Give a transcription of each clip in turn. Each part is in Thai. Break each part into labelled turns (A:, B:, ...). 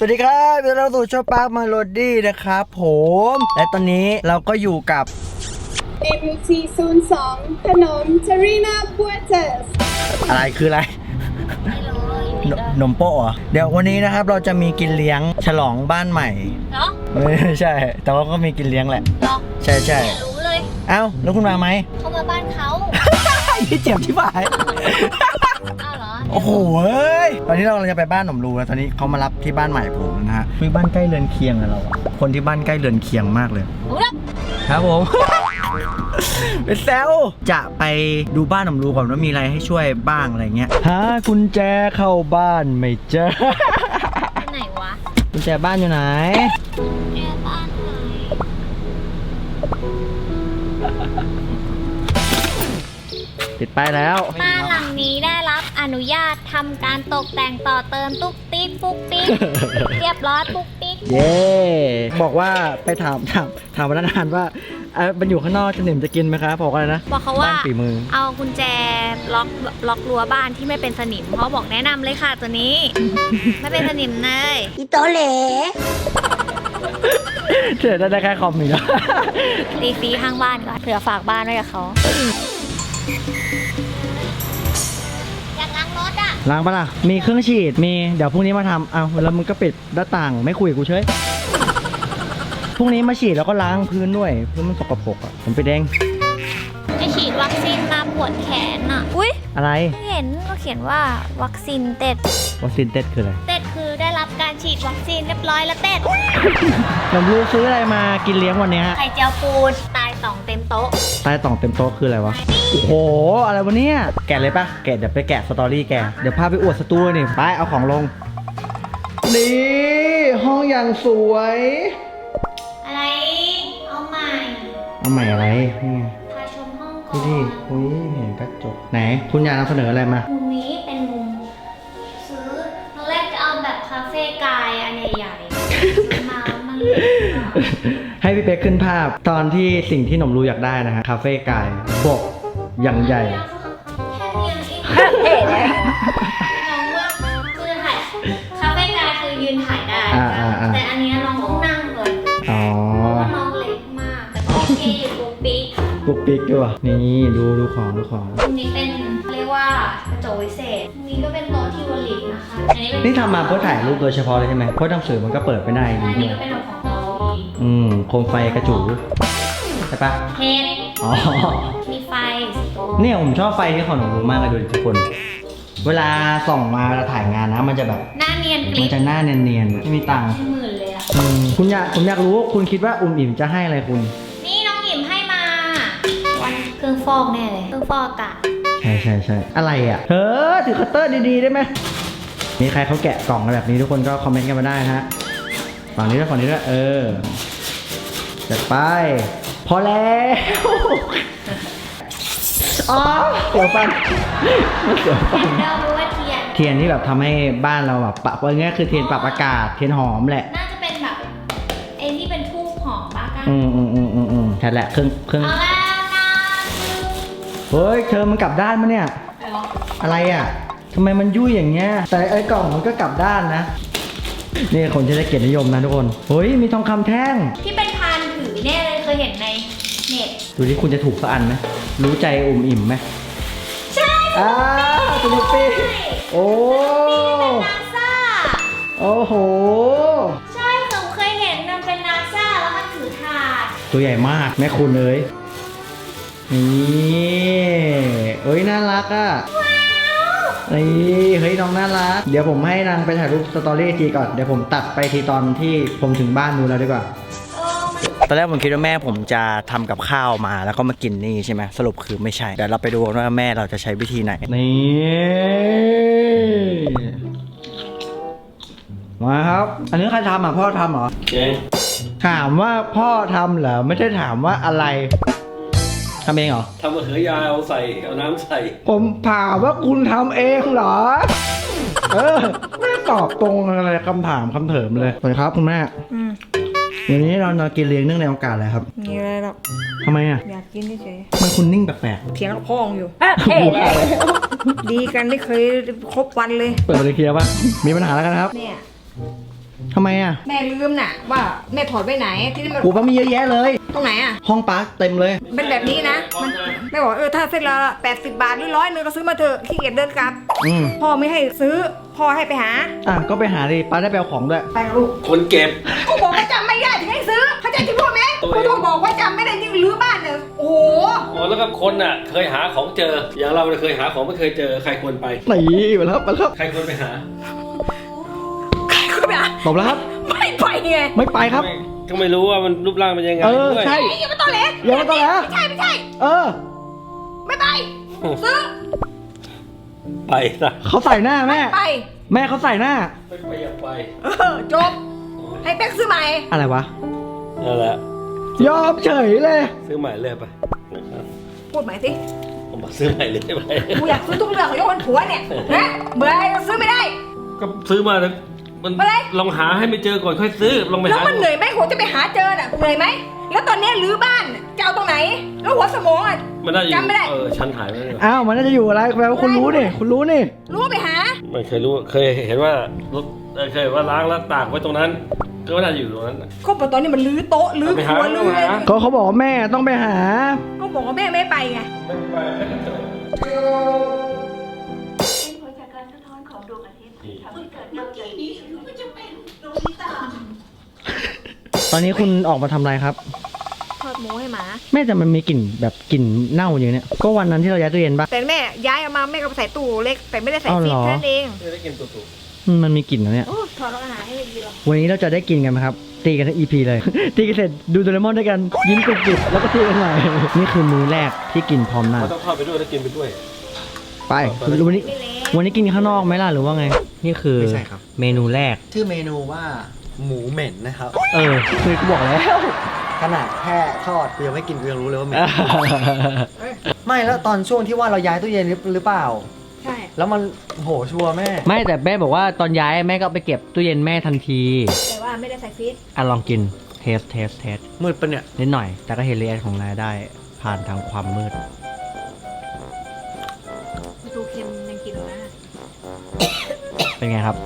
A: วัสดีครับเราสู่ช่องปาร์คมาโลดี้นะครับผมและตอนนี้เราก็อยู่กับ
B: MT02 ขนมเทรีนาบัวเตส
A: อะไรคืออะไรหนมโป๊ะเหรอเดี๋ยววันนี้นะครับเราจะมีกินเลี้ยงฉลองบ้านใหม่
C: เนาะ
A: ไม่ใช่แต่ว่าก็มีกินเลี้ยงแหละ
C: เนาะ
A: ใช่ใช่
C: รู้เลย
A: เอ้าแล้วคุณมาไหม
C: เขามาบ้านเขา
A: พี่เจ็บที่บ่าย
C: อ้าวเหรอ
A: โอ้โหเอ้ยตอนนี้เรากำลังจะไปบ้านหนมรูแล้วตอนนี้เขามารับที่บ้านใหม่ผมนะฮะคือบ้านใกล้เรือนเคียงอะเราอะคนที่บ้านใกล้เรือนเคียงมากเลยครับผม เป็นแซวจะไปดูบ้านหนมรูก่อนว่ามีอะไรให้ช่วยบ้างอะไรเงี้ยหากุญแจเข้าบ้านไม่เจอ
C: ที่ไหนวะ
A: กุญแจบ้านอยู่ไหน
C: บ้านไหน
A: ติดป้ายแล้ว
C: บ้านหลังนี้ได้รับอนุญาตทำการตกแต่งต่อเติมตุ๊กติ๊กปุ๊กติ๊ก เรียบร้อยปุ๊กติ๊ก
A: เย้บอกว่าไปถามพนักงานว่ามันอยู่ข้างนอกจะหนิมจะกินไหมครับบอกอะไรนะ
C: บอกเขาว่า
A: ฝีมือ
C: เอากุญแจล็อกรั้วบ้านที่ไม่เป็นสนิมเขาบอกแนะนำเลยค่ะตัวนี้ ไม่เป็นสนิมเลย
B: อีโตเหล่
A: เฉยได้แค่คอมมิว
C: ตีฟรีข้างบ้านก่อนเผื่อฝากบ้านไว้กับเขาอยากล้างรถอ่ะ
A: ล้างปะล่ะมีเครื่องฉีดมีเดี๋ยวพรุ่งนี้มาทำเอาแล้วมึงก็ปิดหน้าต่างไม่คุยกับกูเฉยพรุ่งนี้มาฉีดแล้วก็ล้างพื้นด้วยพื้นมันสกปรกอ่ะผมไปแดง
C: จะฉีดวัคซีนมาปวดแขนอ่ะอุ้ย
A: อะไร
C: เห็นก็เขียนว่าวัคซีนเต็ด
A: วัคซีนเต็ดคืออะไร
C: เต็ดคือได้รับการฉีดวัคซีนเรียบร้อยแล้วเต็ด
A: ผมรู้ซื้ออะไรมากินเลี้ยงวันนี้
C: ไข่เจียวปูนตายต่องเต็มโต๊ะ
A: ตายต่องเต็มโต๊ะคืออะไรวะโอ้โหอะไรวะเนี่ยแกะเลยปะแกะเดี๋ยวไปแกะสตอรี่แกเดี๋ยวพาไปอวดสตูนี่ไปเอาของลงนี่ห้องอย่างสวย
C: อะไรเอาใหม่
A: อะไรนี่
C: พาชมห้องก่อน
A: ดูดิอุ้ยเห็นกระจกไหนคุณอยากนำเสนออะไรมา
C: มุมนี้เป็นมุมซื้อตอนแรกจะเอาแบบคาเฟ่กายอันใหญ่ๆมามัน
A: ให้พี่เป๊กขึ้นภาพตอนที่สิ่งที่หนมรู้อยากได้นะฮะคาเฟ่กายบอกอย่างใหญ่
C: แค่เองเลยน้องว่าคือถ่ายคาเฟ่กายคือยืนถ่ายได้แต่อันนี้น้องต้องนั่งเลย
A: อ๋อ
C: น้องเล็กมากแต่โอเคอยู่ปุ๊ก
A: ปิ๊กด้วยนี่ดูของ
C: ตรงนี้เป็นเรียกว่ากระจกวิเศษตรงนี้ก็เป็นโต๊ะทิวลิปนะคะ
A: นี่ทำมาเพื่อถ่ายรูปโดยเฉพาะเลยใช่ไหมเพราะหนังสือมันก็เปิดไม่ได้
C: อันนี้ก็เป็นของเรา
A: โคมไฟกระจูใช่ปะ
C: เทน
A: อ๋อ
C: มีไฟ
A: เนี่ยผมชอบไฟที่ของหนูรู้มากเลยดูทุกคนเวลาส่องมาเวลาถ่ายงานนะมันจะแบบ
C: หน้าเนียน
A: มันจะหน้าเนียนไม่มีตังค์
C: หมื่นเลยอะ
A: ผมอยากรู้คุณคิดว่าอิ่มจะให้อะไรคุณ
C: นี่น้องอิ่มให้มาวันเครื่องฟอกแน่เลยเครื่องฟอกอากาศ
A: ใช่อะไรอ่ะเธอถือคัตเตอร์ดีๆได้ไหมมีใครเขาแกะกล่องแบบนี้ทุกคนก็คอมเมนต์กันมาได้ฮะฝั่งนี้ด้วยจัดไปพอแล้วอ๋อเสียวฟัน
C: เรารู้ว่า
A: เทียนที่แบบทำให้บ้านเราแบบปรับว่าง่ายคือเทียนปรับอากาศเทียนหอมแหละ
C: น่าจะเป็นแบบไอ้ที่เป็นทูบหอมบ้ากัน
A: ใช่แหละเครื่องเฮ้ยเธอมันกลับด้านมั้ยเนี่ยอะไรอ่ะทำไมมันยุ่ยอย่างเงี้ยแต่ไอ้กล่องมันก็กลับด้านนะนี่คนจะได้เกียรตินิยมนะทุกคนเฮ้ยมีทองคำแท่ง
C: ที่เป็นพานถือแน่เลยเคยเห็นในเน็ต
A: ดูที่คุณจะถูกสักอันไหมรู้ใจอิ่มไหม
C: ใช่
A: สนุกปีโอ้
C: นาซา
A: โอ้โห
C: ใช่ผมเคยเห็นมันเป็นนาซาแล้วมันถือถาด
A: ตัวใหญ่มากแม่คุณเลยนี่เอ้ยน่ารักอ่ะนี่เฮ้ยน้องน่ารักเดี๋ยวผมให้นางไปถ่ายรูปสตอรี่ทีก่อนเดี๋ยวผมตัดไปทีตอนที่ผมถึงบ้านนู้นแล้วดีกว่าตอนแรกผมคิดว่าแม่ผมจะทำกับข้าวมาแล้วก็มากินนี่ใช่ไหมสรุปคือไม่ใช่เดี๋ยวเราไปดูกันว่าแม่เราจะใช้วิธีไหนนี่มาครับอันนี้ใครทำอ่ะพ่อทำเหรอถามว่าพ่อทำเหรอไม่ได้ถามว่าอะไรทำเองเหรอ
D: ทำมะเขือยาวใส่เอาน้ำใส่
A: ผมถามว่าคุณทำเองเหรอไม่ตอบตรงอะไรคำถามคำเถิมเลยสวัสดีครับคุณแม่วันนี้เรากินเลี้ยงเนื่องในโอกาสอะไรครับ
B: มีอะไรหรอก
A: ทำไมอ่ะ
B: อยากกินเฉย
A: มันคุณนิ่งแปลก
B: ๆเถียงกับพ่ออยู่ดีกันไม่เคยครบวันเลย
A: เปิดบริเคลียร์ป่ะมีปัญหาแล้วกันครับ
B: เนี่ย
A: ทำไมอ่ะ
E: แม่ลืมน่ะว่าแม่ถอดไว้ไหนที่นี่มัน
A: กูป้ามีเยอะแยะเลย
E: ตรงไหนอ่ะ
A: ห้องป้าเต็มเลย
E: เป็นแบบนี้นะมันแม่บอกถ้าเส้นละ80 บาทหรือ100ก็ซื้อมาเถอะขี้เกียจเดินกลับ
A: อืม
E: พ่อไม่ให้ซื้อพ่อให้ไปหา
A: ก็ไปหาดิป้าได้ไปเอาของด้วย
E: ไปกับลูก
D: คนเก็บ
E: กูบอกว่าจำไม่ได้ถึงให้ซื้อเข้าใจที่พูดไหม
D: ตัว
E: กู
D: เอง
E: ต้องบอกว่าจำไม่ได้ยิ่งรื้อบ้านเนี่ยโอ้โห
D: อ๋อแล้วก็คนอ่ะ เคยหาของเจอ อย่างเราเนี่ยเคยหาของไม่เคยเจอ ใครควรไป
A: นี่มาแล้วมาแล้ว
D: ใครควรไปหา
E: ใครก็ไม่อ่ะ
A: ตบแล้วครับ
E: ไม่ไปไง
A: ไม่ไปครับ
D: ก็ไม่รู้ว่ามันรูปร่างเป็นยังไง
A: เออ
D: ด้วย
A: ใช่
E: ไอ้ยังไม่ต้องเล็ก
A: ยังไม่ต้องแล้ว
E: ไม่ใช่ไม่ใช่
A: เออ
E: ไม่ไปซื้อ
D: ไปซะ
A: เขาใส่หน้าแม่
E: ไป
A: แม่เขาใส่หน้า
D: ไม่ไปอยากไป
E: จบให้เป๊กซื้อใหม่
A: อะไรวะ
D: นั่นแหละ
A: ยอมเฉยเลย
D: ซื้อใหม่เลยไปนะครับ
E: พูดใหม่สิ
D: ผมบอกซื้อใหม่เลยไป
E: กูอยากซื้อทุกเรื่องยกเว้นผัวเนี่ยนะเบื่ออะไรก็ซื้อไม่ได้
D: ก็ซื้อมาแล้วมัน
E: อะไร
D: ลองหาให้ไม่เจอก่อนค่อยซื้อลองไป
E: แล้ว
D: หา
E: มันเหนื่อยไหมหัวจะไปหาเจอน่ะเหนื่อยไหมแล้วตอนนี้รื้อบ้านจะเอาตรงไหน แล้วหัวสมองอ่ะ
D: มันได้อยู่
E: จำไม่ได้
D: ชั้นหายไปแล้ว
A: อ้าว มันน่าจะอยู่อะไรแปลว่าคุณรู้นี่ คุณรู้นี่
E: รู้ว่าไปหา
D: ไม่เคยรู้เคยเห็นว่ารถเคยเห็นว่าล้างแล้วตากไว้ตรงนั้น ก็ไม่น่าจะอยู่ตรงนั้นน่ะ
E: ก็บอกตอนนี้มันรื้อโต๊ะรื้อ
D: ไป
E: ค
D: หา
E: รัวรื้ออะไร
D: ไปหา
A: เขาบอกว่าแม่ต้องไปหา
E: ก็บอกว่าแม่ไม่ไปไง
D: ไม่ไปไม่จบ
C: เป็นผลจากการสะท้อนของดวงอาทิตย์ทำให้เกิดดาวใหญ่
A: ตอนนี้คุณออกมาทำอะไรครับ
E: ทอดหมูให้หมา
A: แม่แต่มันมีกลิ่นแบบกลิ่นเน่าอย่างเนี้ย ก็วันนั้นที่เราย้ายตู้เย็นปะ
E: แต่แม่ย้ายเอามาแม่ก็ไปใส่ตู้เล็กแต่ไม่ได้ใส่
A: อ้าว
E: ฟรี
A: เหรอ
E: แค่นั้นเอง
D: ไม่ได้กินตุ่
A: มันมีกลิ่นนะเนี่ย
E: โอ้ถอดอาหารให้ดีหรอ
A: วันนี้เราจะได้กินกันไหมครับ ตีกันทั้ง EP เลย ตีกันเสร็จดูโดเรมอนด้วยกัน ยิ้มกรุบๆแล้วก็ตีกันใหม่ นี่คือมื้อแรกที่กินพร้อมหน้า
D: มันต้องทอดไปด้วยแล้วกินไปด้วย
A: ไปวันนี้
E: ไม่เละ
A: วันนี้กินข้างนอกไหมล่ะหรือว่าไง นี่คือ
F: ไม่ใช่ครับ
A: เมนูแรก
F: ชื่อเมนูว่าหมูเหม็นนะครับ
A: คือกูบอกแล้ว
F: ขนาดแค่ทอดกูยังไม่กินกูยังรู้เลยว่าเหม็น ไม่แล้วตอนช่วงที่ว่าเราย้ายตู้เย็นหรือเปล่า
E: ใช่
F: แล้วมันโหชัวร์แม่
A: ไม่แต่แม่บอกว่าตอนย้ายแม่ก็เอาไปเก็บตู้เย็นแม่ทันที
E: แต่ว่าไม่ได้ใส่ฟรีซ
A: ลองกินเทส
F: มืดปะเนี่ย
A: นิดหน่อย แต่ก็เห็นเรียนของนายได้ผ่านทางความมืด
E: ดูเค็มยังกินนะ
A: เป็นไงครับ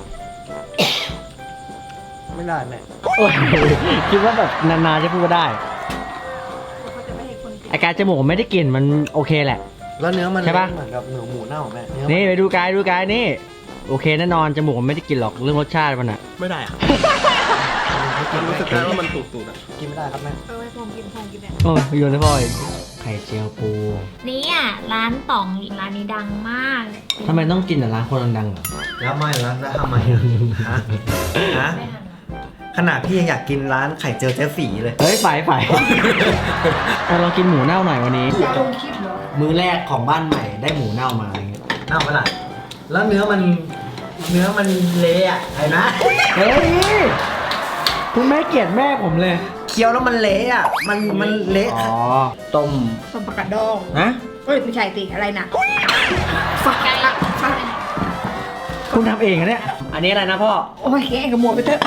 F: ไม่ได้แม่
A: โอ้ยคิดว่าแบบนานๆจะพูดว่าได้
E: เขาจะไม่ให้คนกิน
A: อาการจมูกไม่ได้กลิ่นมันโอเคแหละ
F: แล้วเนื้อมัน
A: ใช่ปะ
F: เหมือนกับหมูเน่าแม่เนื้อ
A: นี่ไปดูกายนี่ โอเคแน่นอนจมูกมันไม่ได้กลิ่นหรอกเรื่องรสชาติมันอะ
F: ไม่ได้อะ
D: รู้สึกได้ว่ามันตุ่ๆอ่ะ
F: กินไม่ได้ครับแม่
E: เอาไว้พองกินเนี่ย
A: โอ้ยโยนให้พ่อยไข่เจียวปู
C: นี่อ่ะร้านต่องร้านนี้ดังมาก
A: ทำไมต้องกินแต่ร้านคนดังๆเหรอ
F: แล้วไม่แล้วทำไมฮะฮะ
C: ไม่ทันหรอก
F: ขนาดพี่ยังอยากกินร้านไข่เจียวเจ๊ฝีเลย
A: เฮ้ยฝ่ายลองกินหมูเน่าหน่อยวันนี้
E: จะลงคลิปเหรอ
A: มื้อแรกของบ้านใหม่ได้หมูเน่ามาอะไรเงี้ย
F: เน่าปะล่ะแล้วเนื้อมันเละอะไอ้นะ
A: เฮ้ยคุณแม่เกลียดแม่ผมเลย
F: เคี้ยวแล้วมันเละอะมันเละ
A: อ๋อ ต้ม
E: ส้มประกาศดอง
A: ฮะ
E: เอ้ยไม่ใช่ติอะไรนะฝัก
C: ไกล
E: ฝัก
A: คุณทำเองเหรอเนี่ย อันนี้อะไรนะพ่อ
E: โอ้ยแกกับหมวดไปเถอะ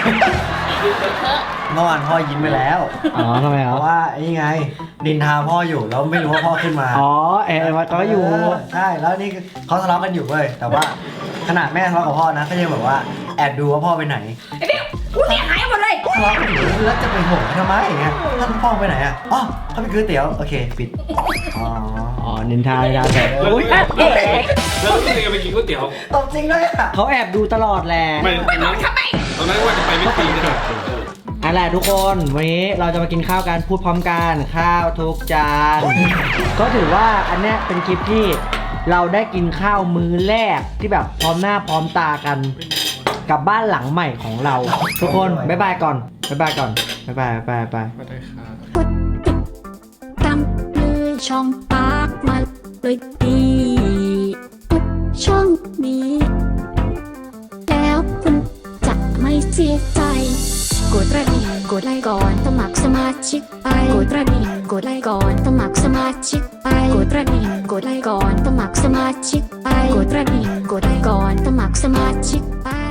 F: เมื่อวานพ่อยิ้มไปแล้ว
A: อ๋อทำไม
F: เพ
A: ครับ
F: ราะว่าไอ้นี่ไงดินทาพ่ออยู่แล้วไม่รู้ว่าพ่อขึ้นมา
A: อ๋อวัดก็อยู่
F: ใช่แล้วนี่เขาทะเลาะกันอยู่เว้ยแต่ว่าขนาดแม่ทะเลาะกับพ่อนะก็ยังแบบว่าแอบดูว่าพ่อไปไหน
E: ไอ้เบี้ยกูเสียหายหมดเลย
F: ทะเลาะกันอยู่แล้วจะไปห่วงเขาทำไมอย่างเงี้ยท่านพ่อไปไหนอ่ะอ๋อเขาไปกินก๋วยเตี๋ยวโอเคปิดอ๋อ
A: อ๋อนินทาแบบ
D: แล้ว
A: อุ๊ย
D: แล้วรู้สึกยังไปกินก๋วยเตี๋ยว
F: ตบจริงด้วยอ่ะ
A: เขาแอบดูตลอดแหละ
D: ไม่ตอนนั้นตอนนั้นว่าจะไปไม่ตีนะครับ
A: อันแหละทุกคน วันนี้เราจะมากินข้าวกันพูดพร้อมกันข้าวทุกจาน ก็ถือว่าอันเนี้ยเป็นคลิปที่เราได้กินข้าวมื้อแรกที่แบบพร้อมหน้าพร้อมตากันกับบ้านหลังใหม่ของเรา ทุกคนบ๊ายบายก่อนบ๊ายบายก่อนบ๊ายบายบ๊ายบายบ๊ายบาย
G: ตามเลยช่องปากมาเลยดีกดช่องนี้ แล้วคุณจะไม่เสียใจ กดกระดิ่งกดไลค์ก่อนสมัครสมาชิกไปกดกระดิ่งกดไลค์ก่อนสมัครสมาชิกไปกดกระดิ่งกดไลค์ก่อนสมัครสมาชิกไปกดกระดิ่งกดไลค์ก่อนสมัครสมาชิกไป